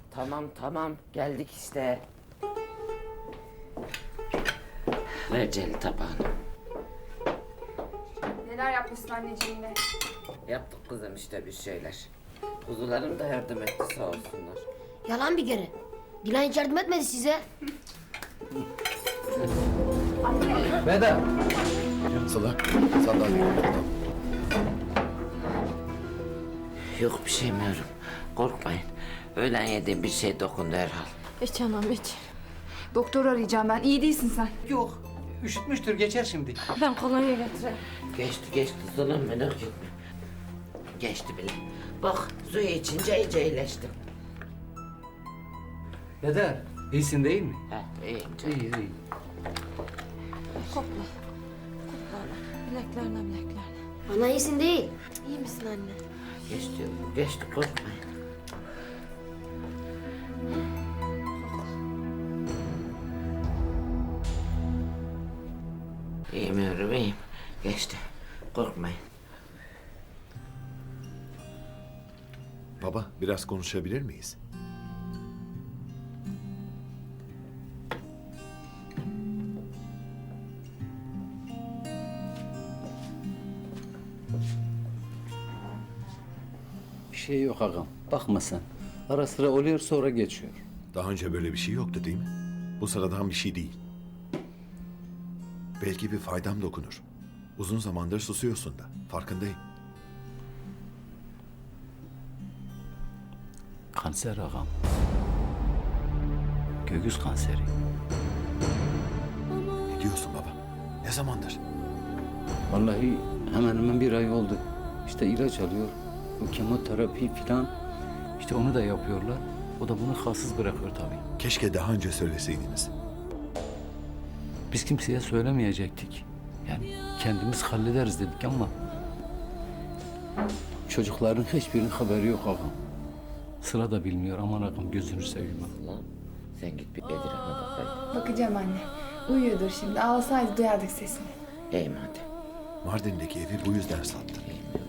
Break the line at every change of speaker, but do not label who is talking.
Tamam geldik işte. Ver Celil tabağını.
Neler yapmışsın anneciğim yine?
Yaptık kızım işte bir şeyler. Kuzularım da yardım etti sağ olsunlar.
Yalan bir kere. Dilan hiç yardım etmedi size.
Veda.
Sıla, sandalye.
Yok bir şey Meryem. Korkmayın. Öğlen yediğim bir şey dokundu herhal.
Hiç anam hiç.
Doktor arayacağım ben. İyi değilsin sen.
Yok, üşütmüştür, geçer şimdi.
Ben kolonya getireyim.
Geçti Sılam merak etme. Geçti bile. Bak suyu içince iyice iyileştim.
Veda, iyisin değil mi?
İyiyim
İyi, iyi.
Kokla. Kokla ana. Bileklerine.
Ana iyisin değil.
İyi misin anne?
Geçti korkmayın. İyiyim Meryem iyiyim. Geçti. Korkmayın.
Baba, biraz konuşabilir miyiz?
Bir şey yok ağam. Bakma sen. Ara sıra oluyor sonra geçiyor.
Daha önce böyle bir şey yoktu değil mi? Bu sıradan bir şey değil. Belki bir faydam dokunur. Uzun zamandır susuyorsun da. Farkındayım.
Kanser ağam. Göğüs kanseri.
Ne diyorsun baba? Ne zamandır?
Vallahi hemen hemen bir ay oldu. İşte ilaç alıyor. Bu kemoterapi filan. İşte onu da yapıyorlar. O da bunu halsiz bırakıyor tabii.
Keşke daha önce söyleseydiniz.
Biz kimseye söylemeyecektik. Yani kendimiz hallederiz dedik ama... Çocukların hiçbirinin haberi yok ağam. Sıra da bilmiyor. Aman ağam gözünü seveyim.
Lan sen git bir Bedir'e bakaydın.
Bakacağım anne. Uyuyordur şimdi. Ağlasaydı duyardık sesini.
İyiyim hadi.
Mardin'deki evi bu yüzden sattın.
İyiyim.